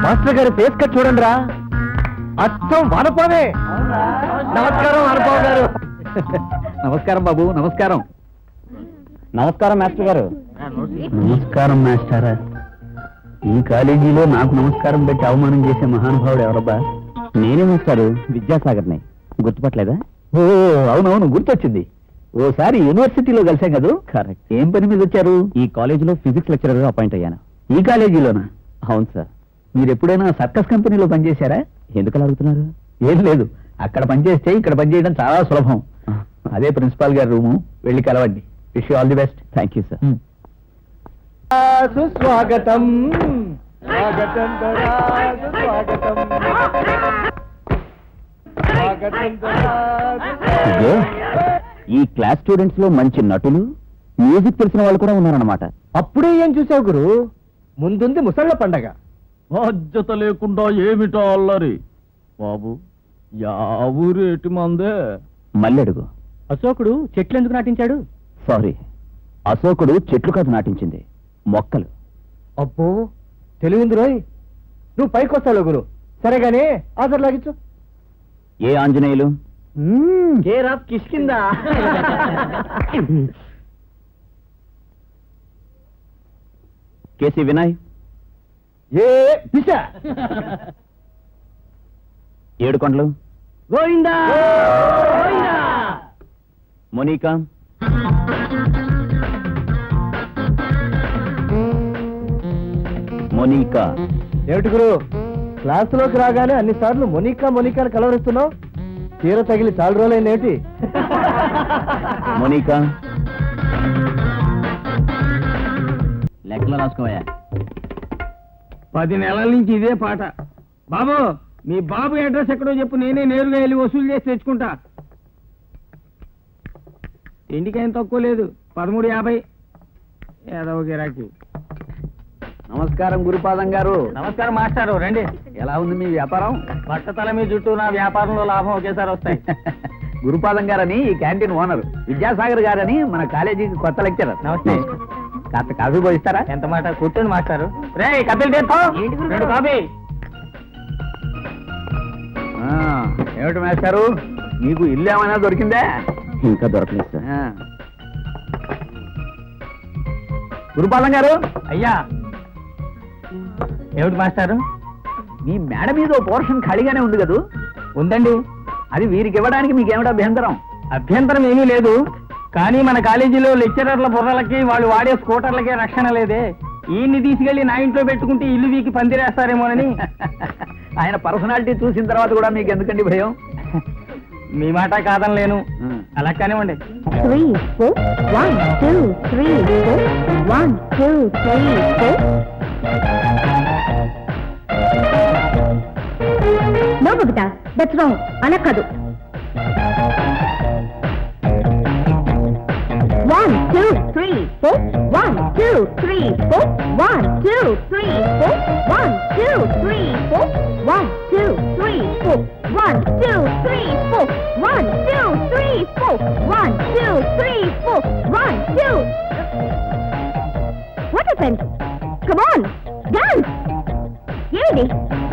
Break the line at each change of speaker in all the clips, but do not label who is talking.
Master గారి face cut చూడండి రా, అచ్చం వానపావే. నమస్కారం వానపావ గారు.
నమస్కారం బాబు. నమస్కారం.
నమస్కారం మాస్టర్ గారు.
నమస్కారం మాస్టారా. ఈ కాలేజీలో నాకు నమస్కారం పెట్టి అవమానం చేసే మహానుభావుడు ఎవరబ్బా?
నేనే మాస్టారు, విద్యాసాగర్ని. గుర్తుపట్టలేదా?
ఓ అవునవును, గుర్తొచ్చింది. ఓసారి యూనివర్సిటీలో కలిసాం కదా.
కరెక్ట్.
ఏం పని మీద వచ్చారు?
ఈ కాలేజీలో ఫిజిక్స్ లెక్చరర్ గా అపాయింట్ అయ్యాను.
ఈ కాలేజీలోనా?
అవును సార్.
మీరు ఎప్పుడైనా సర్కస్ కంపెనీలో పనిచేశారా?
ఎందుకు అలా అడుగుతున్నారు?
ఏం లేదు, అక్కడ పనిచేస్తే ఇక్కడ పనిచేయడం చాలా సులభం. అదే ప్రిన్సిపాల్ గారి రూము, వెళ్ళి కలవండి. Wish you all the best.
Thank you sir.
సుస్వాగతం. స్వాగతం స్వాగతం.
ఇదే, ఈ క్లాస్ స్టూడెంట్స్ లో మంచి నటులు, మ్యూజిక్ తెలిసిన వాళ్ళు కూడా ఉన్నారన్నమాట.
అప్పుడే ఏం చూసావు గురు? ముందుంది ముసళ్ళ పండగ.
బాధ్యత లేకుండా ఏమిటో అల్లరి బాబు. ఊరేటి మందే. మళ్ళీ అడుగు.
అశోకుడు చెట్లు ఎందుకు నాటించాడు?
సారీ, అశోకుడు చెట్లు కాదు నాటించింది, మొక్కలు.
అబ్బో తెలివింది రోయ్. నువ్వు పైకొస్తావు గురు. సరేగానే ఆధార్ లాగించు.
ఏ Anjaneyulu?
Care of Kishkinda.
KC Vinay?
ఏ పిచ్చా.
ఏడుకొండలు?
గోవిందా.
మోనికా? మోనికా?
ఏమిటి గురు, క్లాసులోకి రాగానే అన్నిసార్లు మొనికా మొనికాని కలవరిస్తున్నావు? తీర తగిలి చాలా రోజులైందేమిటి?
మోనికా? లెక్కలు రాసుకోవా.
10 నెలల నుంచి ఇదే పాట. బాబు, మీ బాబు అడ్రస్ ఎక్కడో చెప్పు, నేనే నేరుగా వెళ్ళి వసూలు చేసి తెచ్చుకుంటా. ఇంటికేం తక్కువ లేదు. 13.50. ఏదో గిరాకీ.
నమస్కారం గురుపాదం గారు.
నమస్కారం మాస్టారు, రండి.
ఎలా ఉంది మీ వ్యాపారం?
బట్టతల మీ జుట్టు, నా వ్యాపారంలో లాభం ఒకేసారి వస్తాయి.
గురుపాదం గారని ఈ క్యాంటీన్ ఓనర్, విద్యాసాగర్ గారని మన కాలేజీకి కొత్త లెక్చరర్.
నమస్తే.
కాస్త కాఫీ పోయిస్తారా?
ఎంత మాట, కూర్చోండి మాస్టారు. రే కపిల్ తీర్థం, 2 కాఫీ.
ఏమిటి మాస్టారు, మీకు ఇల్లు ఏమైనా దొరికిందే?
ఇంకా దొరకలేదు సార్.
గురుపాదం గారు.
అయ్యా. ఏమిటి మాస్టారు?
మీ మేడ మీద ఓ పోర్షన్ ఖాళీగానే ఉంది కదూ?
ఉందండి.
అది వీరికి ఇవ్వడానికి మీకేమిటా అభ్యంతరం?
అభ్యంతరం ఏమీ లేదు, కానీ మన కాలేజీలో లెక్చరర్ల బుర్రలకి, వాళ్ళు వాడే స్కూటర్లకే రక్షణ లేదే. ఈయన్ని తీసుకెళ్లి నా ఇంట్లో పెట్టుకుంటే ఇల్లు వీకి పందిరేస్తారేమోనని.
ఆయన పర్సనాలిటీ చూసిన తర్వాత కూడా మీకు ఎందుకండి భయం?
మీ మాట కాదనలేను. అలా కానివ్వండి.
3 4 1 2 3 4 1 2 3 4. No, Babita, that's wrong. అలా కాదు. 1 2 3 4 1 2 3 4 1 2 3 4 1 2 3 4 1 2 3 4 1 2 3 4 1 2 3 4 1 2 3 4 1 2. What happened? Come on, dance. ఏమిటి?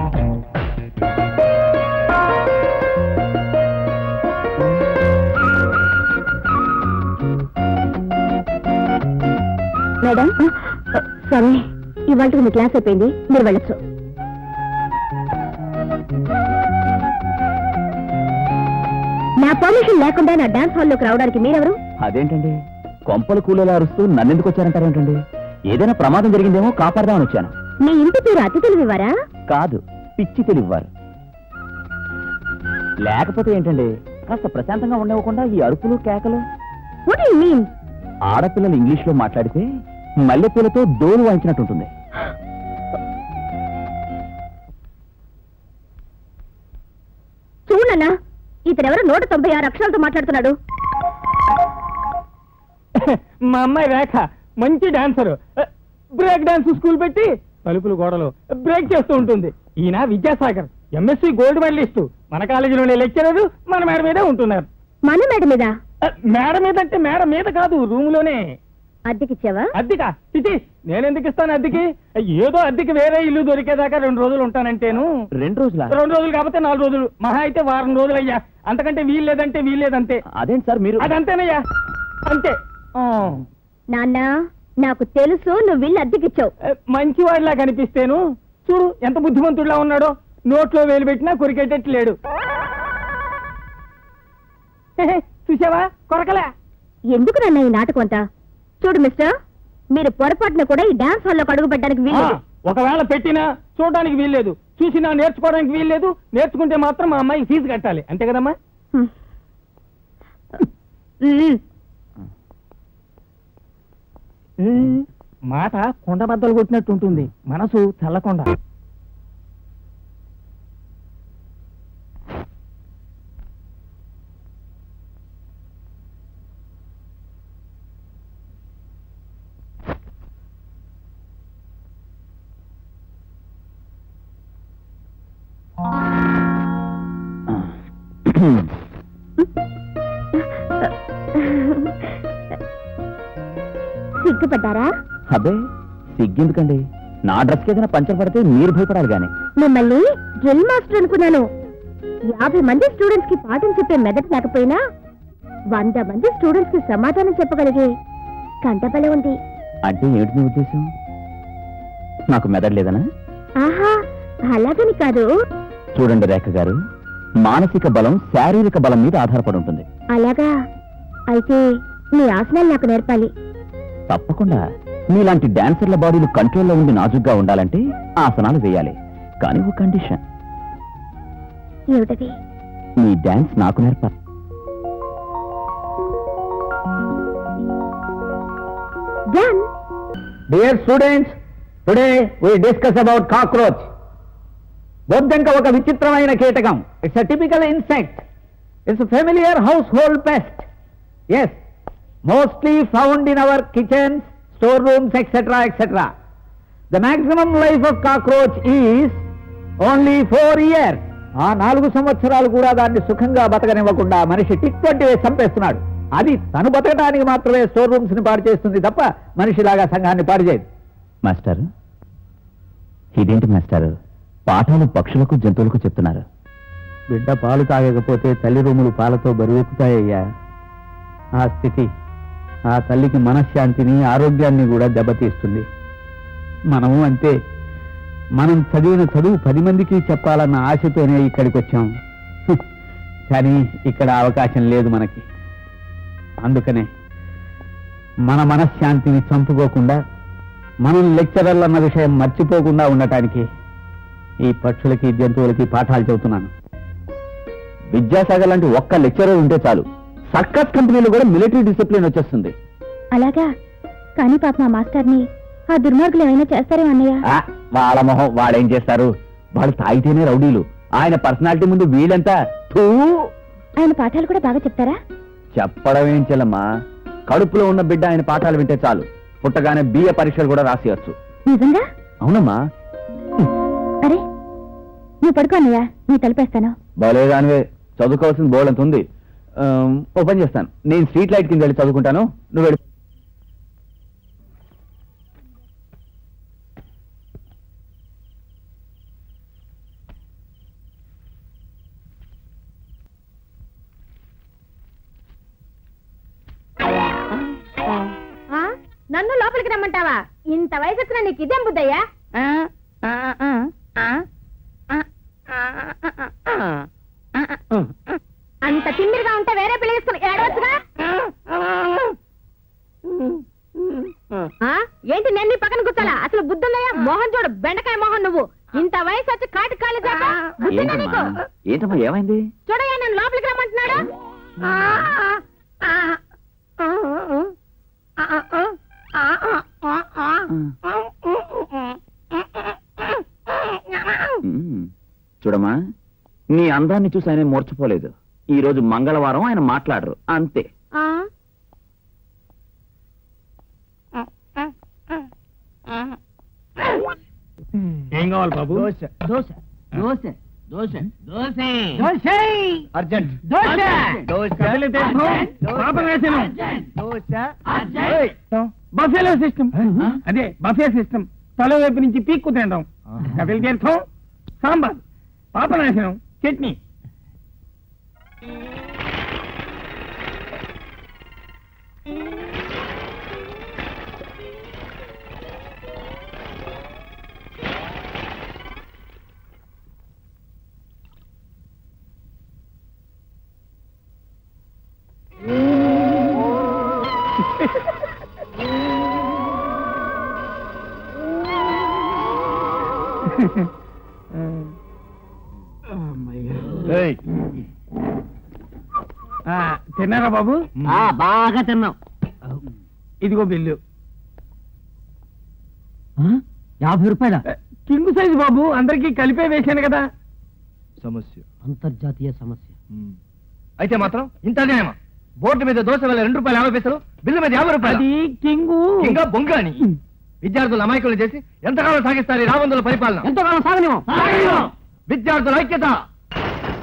మేడం, సరే, ఇవాళ మీ క్లాస్ అయిపోయింది, మీరు వెళ్ళొచ్చు. నా పర్మిషన్ లేకుండా నా డాన్స్ హాల్లోకి రావడానికి మీరెవరు?
అదేంటండి, కొంపలు కూలీలా అరుస్తూ నన్నెందుకు వచ్చారంటారేంటండి? ఏదైనా ప్రమాదం జరిగిందేమో కాపాడదామని వచ్చాను.
మీ ఇంటి పేరు అతిథులు ఇవ్వరా?
కాదు, పిచ్చి తెలివారు. లేకపోతే ఏంటండి, కాస్త ప్రశాంతంగా ఉండవకుండా ఈ అరుపులు కేకలు.
What do you mean?
ఆడపిల్లలు ఇంగ్లీష్ లో మాట్లాడితే మల్లెపూలతో డోలు వాయించినట్టుంటుంది.
చూడన్నా, ఇతనెవరు 196 అక్షరాలతో మాట్లాడుతున్నాడు.
మా అమ్మాయి రేఖ మంచి డాన్సర్. బ్రేక్ డాన్స్ స్కూల్ పెట్టి తలుపులు గోడలు బ్రేక్ చేస్తూ ఉంటుంది. ఈయన విద్యాసాగర్, ఎంఎస్సీ గోల్డ్ మెడలిస్ట్. మన కాలేజీలోనే లెక్చరర్, మన మేడ మీదే ఉంటున్నారు.
మన మేడ మీద?
మేడ మీద అంటే మేడ మీద కాదు, రూమ్ లోనే.
అద్దెకిచ్చావా?
అద్దెకా చిచి నేనెందుకు ఇస్తాను అద్దెకి? ఏదో అద్దెకి వేరే ఇల్లు దొరికేదాకా 2 రోజులు ఉంటానంటేను.
2 రోజులా?
2 రోజులు కాకపోతే 4 రోజులు, మహా అయితే వారం రోజులు అయ్యా. అంతకంటే వీల్లేదంటే వీల్లేదంతే.
అదేంటి సార్ మీరు?
అదంతేనయ్యా, అంతే.
నాన్న, నాకు తెలుసు నువ్వు ఇల్లు అద్దెకిచ్చావు.
మంచివాడిలా కనిపిస్తేను చూడు ఎంత బుద్ధిమంతుడిలా ఉన్నాడో. నోట్లో వేలు పెట్టినా కొరికేటట్టు లేడు. చూసావా కొరకలే.
ఎందుకు నాన్న ఈ నాటకం అంతా? చూడు మిస్టర్, మీరు పొరపాటున కూడా ఈ డాన్స్ హాల్లో అడుగు పెట్టడానికి వీల్లేదు.
ఒకవేళ పెట్టినా చూడడానికి వీల్లేదు, చూసినా నేర్చుకోవడానికి వీల్లేదు. నేర్చుకుంటే మాత్రం మా అమ్మాయికి ఫీజు కట్టాలి, అంతే కదమ్మా? మాట కొండ బద్దలు కొట్టినట్టు ఉంటుంది, మనసు చల్లకొండ.
సిగ్గుపడ్డారా?
అబ్బే సిగ్గెందుకండి, నా డ్రెస్కి ఏదైనా పంచర్ పడితే మీరు భయపడాలి గాని.
మిమ్మల్ని డ్రిల్ మాస్టర్ అనుకున్నాను. 50 మంది స్టూడెంట్స్ కి పాఠం చెప్పే మెదడు లేకపోయినా 100 మంది స్టూడెంట్స్ కి సమాధానం చెప్పగలిగే కంటబలే ఉంది.
అంటే ఏమిటి మీ ఉద్దేశం? నాకు మెదడు లేదనా?
ఆహా, అలాగని కాదు.
చూడండి రేఖ గారు, మానసిక బలం శారీరక బలం మీద ఆధారపడి ఉంటుంది.
అలాగా? అయితే మీ ఆసనాలు నాకు నేర్పాలి.
తప్పకుండా. మీలాంటి డాన్సర్ల బాడీలు కంట్రోల్లో ఉండి నాజుగ్గా ఉండాలంటే ఆసనాలు వేయాలి. కానీ ఒక కండిషన్.
ఏమిటది?
మీ డాన్స్ నాకు నేర్పాలి.
Done.
Dear students, today we discuss about cockroach. బొద్దంక ఒక విచిత్రమైన కీటకం. It's a typical insect. It's familiar household pest. Yes, mostly found in our kitchens, store rooms, etcetera etcetera. The maximum life of cockroach is only 4 years. ఆ 4 సంవత్సరాలు కూడా దాన్ని సుఖంగా బతకనివ్వకుండా మనిషి టిక్ వంటి వేసి చంపేస్తున్నాడు. అది తను బతకడానికి మాత్రమే స్టోర్ రూమ్స్ ని పాడు చేస్తుంది తప్ప మనిషిలాగా సంఘాన్ని పాడు చేయదు.
మాస్టర్, ఇదేంటి మాస్టర్, పాఠాలు పక్షులకు జంతువులకు చెప్తున్నారు?
బిడ్డ పాలు తాగకపోతే తల్లి రూములు పాలతో బరువెక్కుతాయ్యా. ఆ స్థితి ఆ తల్లికి మనశ్శాంతిని, ఆరోగ్యాన్ని కూడా దెబ్బతీస్తుంది. మనము అంతే. మనం చదివిన చదువు 10 మందికి చెప్పాలన్న ఆశతోనే ఇక్కడికి వచ్చాం. కానీ ఇక్కడ అవకాశం లేదు మనకి. అందుకనే మన మనశ్శాంతిని చంపుకోకుండా, మనం లెక్చరర్లు అన్న విషయం మర్చిపోకుండా ఉండటానికి ఈ పక్షులకి జంతువులకి పాఠాలు చెబుతున్నాను.
విద్యాసాగర్ లాంటి ఒక్క లెక్చరర్ ఉంటే చాలు, సర్కస్ కంపెనీలో కూడా మిలిటరీ డిసిప్లిన్ వచ్చేస్తుంది.
అలాగా? కానీ పాప మా మాస్టర్ని ఆ దుర్మార్గులు ఏమైనా చేస్తారేమో అన్నయ్య.
వాళ్ళ మొహం వాడేం చేస్తారు? వాళ్ళు తాగితేనే రౌడీలు. ఆయన పర్సనాలిటీ ముందు వీళ్ళంతా తూ.
ఆయన పాఠాలు కూడా బాగా చెప్తారా?
చెప్పడం ఏం చెల్లమ్మా, కడుపులో ఉన్న బిడ్డ ఆయన పాఠాలు వింటే చాలు, పుట్టగానే బిఏ పరీక్షలు కూడా రాసేయచ్చు.
నిజంగా?
అవునమ్మా.
అరే నువ్వు పడుకో అన్నయ్య, నీ తలిపేస్తాను.
బాలేదానివే, చదువుకోవాల్సిన బోర్డు అంత ఉంది. ఓ పని చేస్తాను, నేను స్ట్రీట్ లైట్ కింద వెళ్ళి చదువుకుంటాను, నువ్వు వెళ్ళి.
నన్ను లోపలికి రమ్మంటావా? ఇంత వయసు వచ్చినా నీకు ఇదేం బుద్ధయ్యా? అంత తిమ్మిరిగా ఉంటే వేరే పెళ్లి చేసుకుని ఏడవచ్చుగా. ఏంటి నేను నీ పక్కన కూర్చోాలా? అసలు బుద్ధుందయ్యా? మోహన్ చూడు, బెండకాయ మోహన్. నువ్వు ఇంత వయసు వచ్చి కాటి కాళ్ళు
ఏంటమ్మా ఏమైంది?
చూడయ్యా, నేను లోపలికి రమ్మంటున్నాడు.
చూడమ్మా, నీ అందాన్ని చూసి ఆయన మూర్చిపోలేదు. ఈ రోజు మంగళవారం, ఆయన మాట్లాడరు, అంతే.
ఏం కావాలి బాబు?
అర్జెంట్.
బస్ బఫేలో సిస్టమ్. అదే బఫే సిస్టమ్. తల వైపు నుంచి పీక్కు తినడం, కపిల తీర్థం, సాంబార్, పాపనాశనం, చట్నీ. తిన్నారా బాబు?
బాగా తిన్నాం.
ఇదిగో బిల్లు.
50 రూపాయల
కింగ్ సైజ్ బాబు, అందరికీ కలిపే వేశాను కదా.
సమస్య
అంతర్జాతీయ సమస్య.
అయితే మాత్రం ఇంత అన్యాయమా? బోర్డు మీద దోశ వల్ల 2 రూపాయలు 50 పైసలు, బిల్లు మీద 50 రూపాయలు.
అది కింగు.
ఇంకా బొంగ అని విద్యార్థులు అమాయకులు చేసి ఎంతకాలం సాగిస్తారు ఈ రాబందుల పరిపాలన?
ఎంతకాలం సాగనివ్వం.
విద్యార్థుల ఐక్యత.